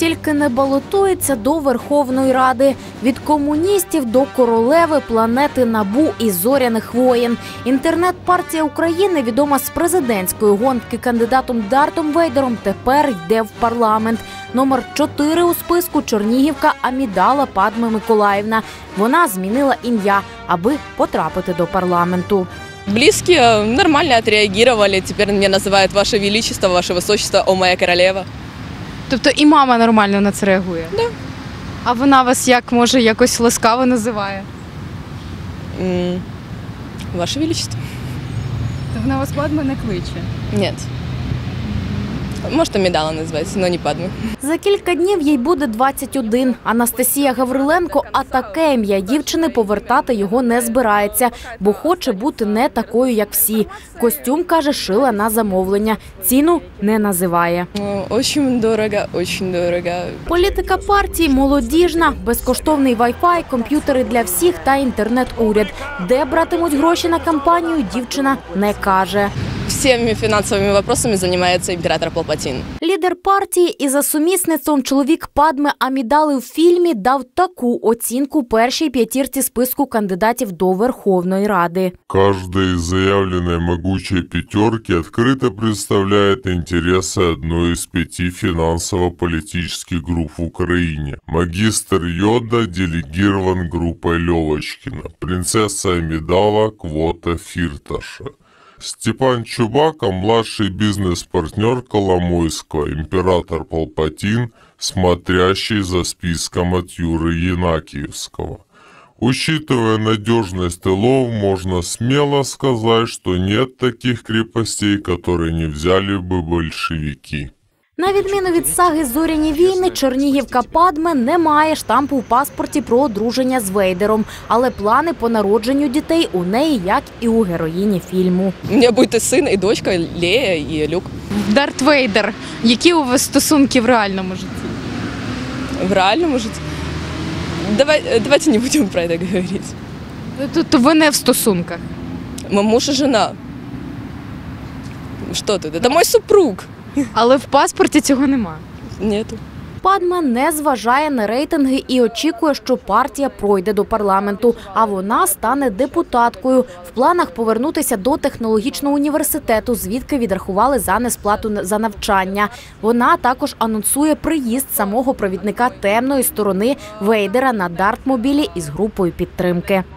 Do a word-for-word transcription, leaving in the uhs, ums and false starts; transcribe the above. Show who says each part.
Speaker 1: тільки не балотується до Верховної Ради. Від комуністів до королеви планети Набу і зоряних воєн. Інтернет-партія України, відома з президентської гонки кандидатом Дартом Вейдером, тепер йде в парламент. Номер чотири у списку – чернігівка Амідала Падма Миколаївна. Вона змінила ім'я, аби потрапити до парламенту.
Speaker 2: Близкие нормально отреагировали. Теперь меня называют Ваше Величество, Ваше Высочество, о моя королева.
Speaker 3: Тобто і мама нормально на це реагує?
Speaker 2: Да.
Speaker 3: А вона вас як, може, якось ласкаво називає?
Speaker 2: М, Ваше Величество?
Speaker 3: То вона вас Падма не кличе?
Speaker 2: Нет. Может, Амидала называется, но не Падма.
Speaker 1: За кілька днів їй буде двадцять один. Анастасія Гавриленко, а таке ім'я дівчини, повертати його не збирається, бо хоче бути не такою, як всі. Костюм, каже, шила на замовлення. Ціну не називає.
Speaker 2: Ну, Очень дорого, очень дорого.
Speaker 1: Політика партії молодіжна, безкоштовний вай-фай, комп'ютери для всіх та інтернет-уряд. Де братимуть гроші на кампанію, дівчина не каже.
Speaker 2: Всеми финансовыми вопросами занимается император Палпатин.
Speaker 1: Лідер партії і за сумісництвом чоловік Падми Амідали в фільмі дав таку оцінку першій п'ятірці списку кандидатів до Верховної Ради.
Speaker 4: Каждый из заявленной могучей пятерки открыто представляет интересы одной из пяти финансово-политических групп в Украине. Магистр Йода делегирован группой Левочкина, принцесса Амидала – квота Фирташа. Степан Чубака – младший бизнес-партнер Коломойского, император Палпатин, смотрящий за списком от Юры Янакиевского. Учитывая надежность тылов, можно смело сказать, что нет таких крепостей, которые не взяли бы большевики.
Speaker 1: На відміну від саги «Зоряні війни», чернігівка Падме не має штампу в паспорті про одруження з Вейдером. Але плани по народженню дітей у неї, як і у героїні фільму.
Speaker 2: У меня будет и сын, и дочка, Лея, и Люк.
Speaker 3: Дарт Вейдер. Які у вас стосунки в реальному житті?
Speaker 2: В реальном, может? Давай, давайте не будем про это говорить.
Speaker 3: Тобто ви не в стосунках?
Speaker 2: Мы муж и жена. Что ты? Это мой супруг.
Speaker 3: Але в паспорті цього нема?
Speaker 2: Нету.
Speaker 1: Падма не зважає на рейтинги і очікує, що партія пройде до парламенту, а вона стане депутаткою. В планах повернутися до технологічного університету, звідки відрахували за несплату за навчання. Вона також анонсує приїзд самого провідника темної сторони Вейдера на Дартмобілі із групою підтримки.